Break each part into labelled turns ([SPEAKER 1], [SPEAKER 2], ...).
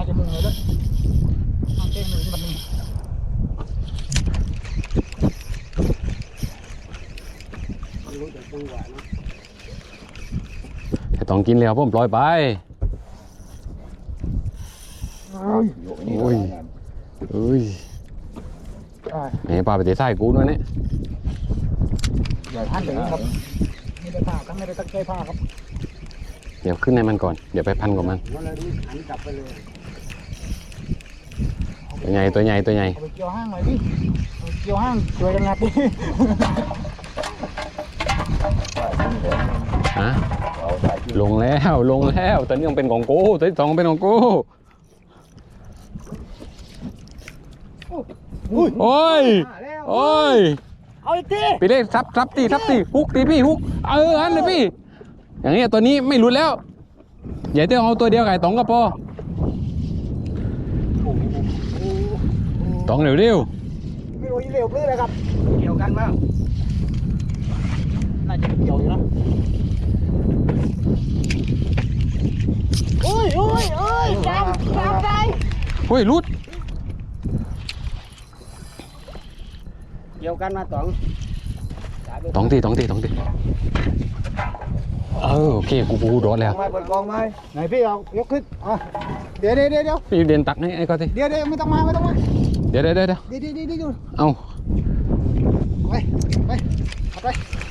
[SPEAKER 1] มาจะมึงเลยด้วยน้ำเต้นหนึ่งแบบนี้
[SPEAKER 2] ต้องกินแล้วผมปล่อยไปโอ้ยเอ้ยแหมปลาไปตีไส้กูด้วยเนี่ย
[SPEAKER 1] อย่าท่านเดี๋ยวครับไม่ได้ผ้าทั้งไม่ได้ตั้งใจผ้าครับ
[SPEAKER 2] เดี๋ยวขึ้นในมันก่อนเดี๋ยวไปพันกับมันตัวใหญ่ตัวใหญ่ตัวใหญ่
[SPEAKER 1] เอาไปเกี่ยวห้างหน่อยดิเกี่ยวห้างช่วยกันงัดดิ
[SPEAKER 2] ฮะลงแล้วลงแล้วตัวนี้ยังเป็นของกูตัวที่สองเป็นของกูโอ้ยโอ้ย
[SPEAKER 1] เอาอีกที
[SPEAKER 2] พี่เล็กทับตีฮุกตีพี่ฮุกอันเลยพี่อย่างนี้ตัวนี้ไม่หลุดแล้วใหญ่เต้เอาตัวเดียวไก่ตองก็พอตองเร็ว
[SPEAKER 1] ไม่รู้เร็วเลยครับเกี่ยวกันมั้งน่าจะเกี่ยวอยู่นะโอ้ยจับใจ
[SPEAKER 2] เฮ้ยรุด
[SPEAKER 1] เกี่ยวกันมาตอง
[SPEAKER 2] ตีโอเคกูโดดแล้ว
[SPEAKER 1] เปิดกองไหมไหนพี่เอายกขึ้นเดี๋ยว
[SPEAKER 2] พี่เดินตักให้ไอ้ก็ที
[SPEAKER 1] เดี๋ยวไม่ต้องมา
[SPEAKER 2] เดี๋ยวเอา
[SPEAKER 1] ไป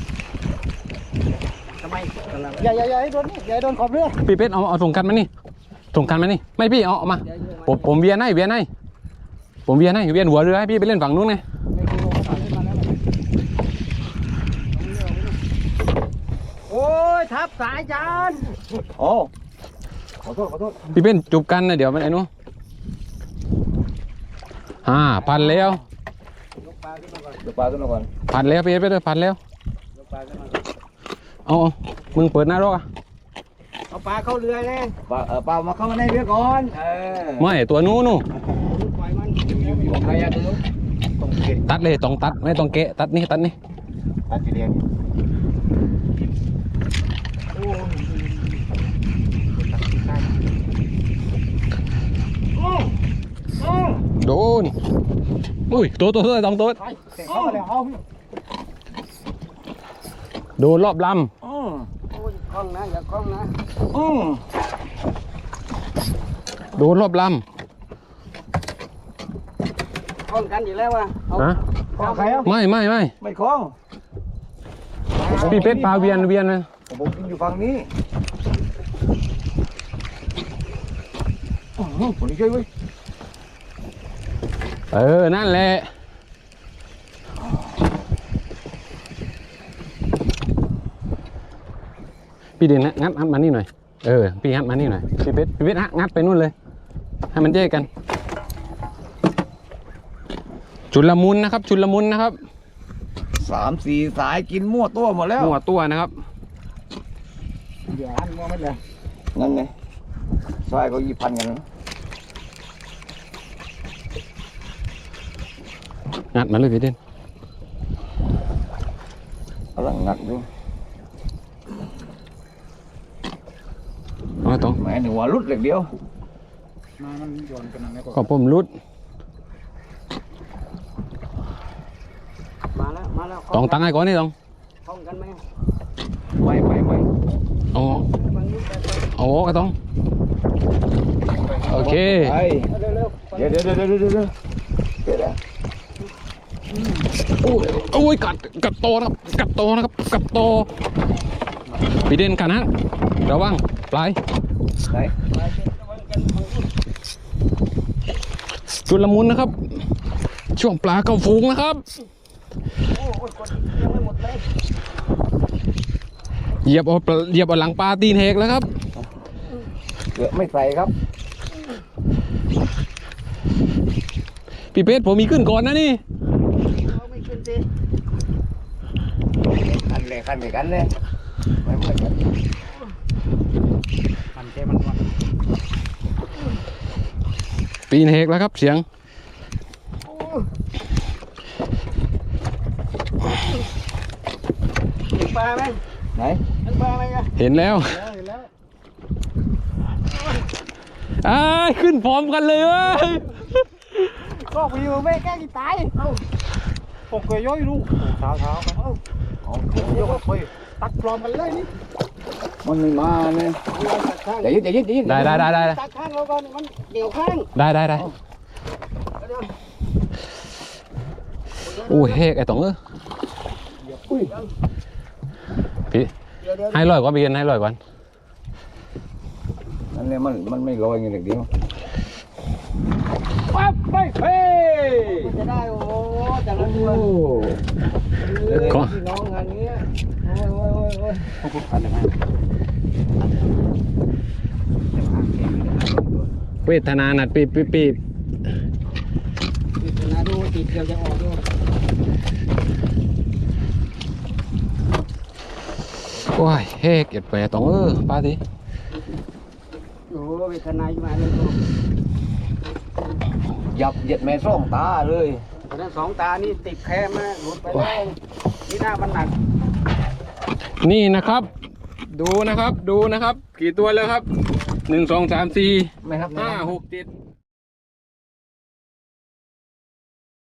[SPEAKER 1] ทำไมอย่าให้โดนนี่อย่าให้โดนขอบเรือ
[SPEAKER 2] พี่เป็ดเอาส่งกันมานี่ไม่พี่เอามาผมเวียนให้ผมเวียนหัวเรือให้พี่ไปเล่นฝั่งนู้นไง
[SPEAKER 1] โอ้ยทับสายจานโอ้ขอโทษ
[SPEAKER 2] พี่เป็นจูบกันนะเดี๋ยวมันไอ้นู้นพันแล้ว
[SPEAKER 1] ยกปลาขึ้นมาก่อน
[SPEAKER 2] พันแล้วพี่เป็ดพันแล้ว
[SPEAKER 1] ยกปลาขึ้นมา
[SPEAKER 2] เอามึงเปิดหน้ารอก
[SPEAKER 1] เอาปลาเข้าเรือเลยปลามาเข้าในเรือก่อน
[SPEAKER 2] ไม่ตัวนู้น
[SPEAKER 1] ปล่อยมันอยู่ใครอะดู
[SPEAKER 2] ตัดเลยต้องตัดไม่ต้องเกะตัดนี่
[SPEAKER 1] ตัดไปเรียน
[SPEAKER 2] โดนอุ้ยตัวต้องตัวโดนรอบลำ
[SPEAKER 1] คล้องนะอย่าคล้องนะ
[SPEAKER 2] โดนรอบลำ
[SPEAKER 1] คล้องกันอยู่แล้วว่ะคล้องใครอ่ะ
[SPEAKER 2] ไม่
[SPEAKER 1] คล้อง
[SPEAKER 2] พี่เป็ดพาเวียนนะ
[SPEAKER 1] ผมอยู่ฝั่งนี้ผมนี่ช่วยเว้ย
[SPEAKER 2] นั่นแหละพี่เด่นงัดมานี่หน่อยพี่งัดมานี่หน่อยพี่เป็ดงัดไปนู่นเลยให้มันแยกกันชุลมุนนะครับ
[SPEAKER 1] 3-4 สายกินมั่วตัวหมดแล้ว
[SPEAKER 2] มั่วตัวนะครับ
[SPEAKER 1] เดี๋ยวหันมั่วไม่เลยนั่นไงสายก็2,000กันนะ
[SPEAKER 2] งัดมาเลยพี่เด่น
[SPEAKER 1] กำลังงัดดู
[SPEAKER 2] ต้อง
[SPEAKER 1] แม่หนูว่ารุดเล็กเดียวมันโยนกันอะไร
[SPEAKER 2] ก็ผมรุด
[SPEAKER 1] มาแล้ว
[SPEAKER 2] ต้องตั้งให้ก่อนนี่ต้อง
[SPEAKER 1] คล้องกันไหมไม่
[SPEAKER 2] โอ้ก็ต้องโอเค
[SPEAKER 1] เดี๋ยว
[SPEAKER 2] โอ้ยกัดโตนะครับพี่เด่นกันนะระวังปลายจุลมุนนะครับช่วงปลาเข้าฝูงนะครับเหยียบเอาหลังปลาตีนเหกแล้วครับ
[SPEAKER 1] เกือบไม่ใส่ครับ
[SPEAKER 2] พี่เป็ดผมมีขึ้นก่อนนะนี่
[SPEAKER 1] ไม่ขึ้นสิคันเลยไม่เหมือนกันคันเจ้มันวัน
[SPEAKER 2] ตีนเหกแล้วครับเสียง
[SPEAKER 1] เห็นปลาไหมไหนเห็นปลาไหม
[SPEAKER 2] เห็นแล้วอ้ายขึ้นพร้อมกันเลยเว้ย
[SPEAKER 1] ก็วิวไม่แกล้งตายผมเคยย่อยลูกเท้ากันเอาเดี๋ยวก็ไปตักปลอมกันเลยนี่มันไม่มาเนี่ยเดี๋ยวยืด
[SPEAKER 2] ได้
[SPEAKER 1] ตักข้างเราก่อนมันเกี่ยวข้าง
[SPEAKER 2] ได้โอ้ยเฮกไอ้ต๋องพี่ให้ลอยก่อนพี่ให้ลอยก่อน
[SPEAKER 1] นั่นเลยมันไม่ลอยอย่างเดียวปั๊บไปเฮ้ยจะได้โอ้แต่ละตัวพี่น้องงานนี้โอ้ย
[SPEAKER 2] เวทนาหนัดปีเว
[SPEAKER 1] ทนาดูติดเดียวจะออกด้วย
[SPEAKER 2] โอ้ยเฮกเอ็ดไปต๋องป้าสิ
[SPEAKER 1] โอ้เวทนาอยู่มาเลยยับเหยียดแม่ส่องตาเลยเพราะนั้นสองตานี่ติดแคมนะหลุดไปแล้วนี่หน้ามันหนัก
[SPEAKER 2] นี่นะครับดูนะครับกี่ตัวแล้วครับ1 2 3 4 5 6 7